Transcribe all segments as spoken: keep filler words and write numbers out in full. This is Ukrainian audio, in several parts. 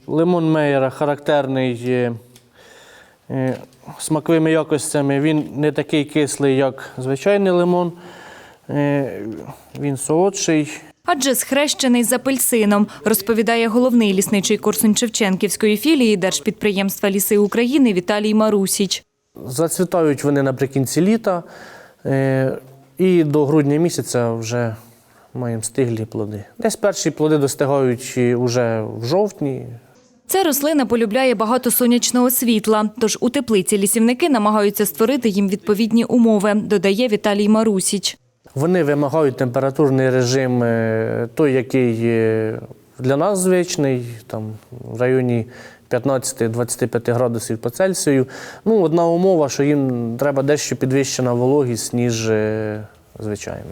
Лимон Мейера характерний е, е, смаковими якостями. Він не такий кислий, як звичайний лимон. Е, він солодший. Адже схрещений з апельсином, розповідає головний лісничий Корсунь-Шевченківської філії Держпідприємства «Ліси України» Віталій Марусіч. Зацвітають вони наприкінці літа е, і до грудня місяця вже маємо стиглі плоди. Десь перші плоди достигають вже в жовтні. Ця рослина полюбляє багато сонячного світла, тож у теплиці лісівники намагаються створити їм відповідні умови, додає Віталій Марусіч. Вони вимагають температурний режим той, який для нас звичний, там в районі п'ятнадцять-двадцять п'ять градусів по Цельсію. Ну, одна умова, що їм треба дещо підвищена вологість, ніж звичайно.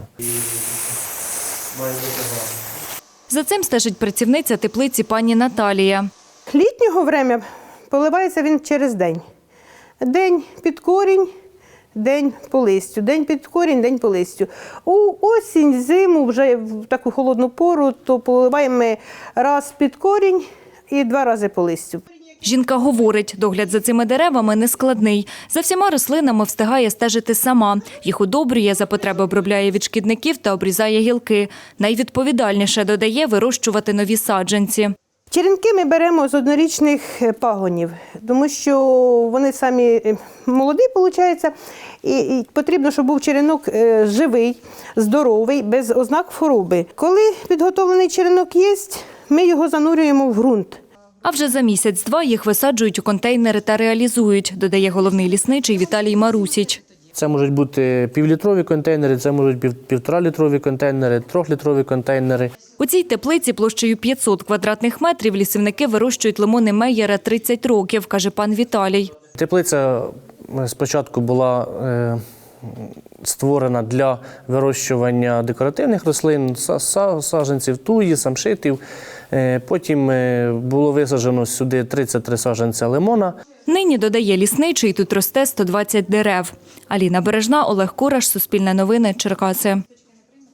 За цим стежить працівниця теплиці пані Наталія. Літнього врем'я поливається він через день. День під корінь, день по листю, день під корінь, день по листю. У осінь, зиму, вже в таку холодну пору, то поливаємо ми раз під корінь і два рази по листю. Жінка говорить, догляд за цими деревами нескладний. За всіма рослинами встигає стежити сама. Їх удобрює, за потреби обробляє від шкідників та обрізає гілки. Найвідповідальніше, додає, вирощувати нові саджанці. Черенки ми беремо з однорічних пагонів, тому що вони самі молоді, виходить, і потрібно, щоб був черенок живий, здоровий, без ознак хвороби. Коли підготовлений черенок є, ми його занурюємо в ґрунт. А вже за місяць-два їх висаджують у контейнери та реалізують, додає головний лісничий Віталій Марусіч. Це можуть бути півлітрові контейнери, це можуть бути півторалітрові контейнери, трьохлітрові контейнери. У цій теплиці площею п'ятсот квадратних метрів лісівники вирощують лимони Мейера тридцять років, каже пан Віталій. Теплиця спочатку була е, створена для вирощування декоративних рослин, саджанців туї, самшитів. Е, потім було висаджено сюди тридцять три саджанця лимона. Нині, додає лісничий, тут росте сто двадцять дерев. Аліна Бережна, Олег Кураш, Суспільне новини, Черкаси.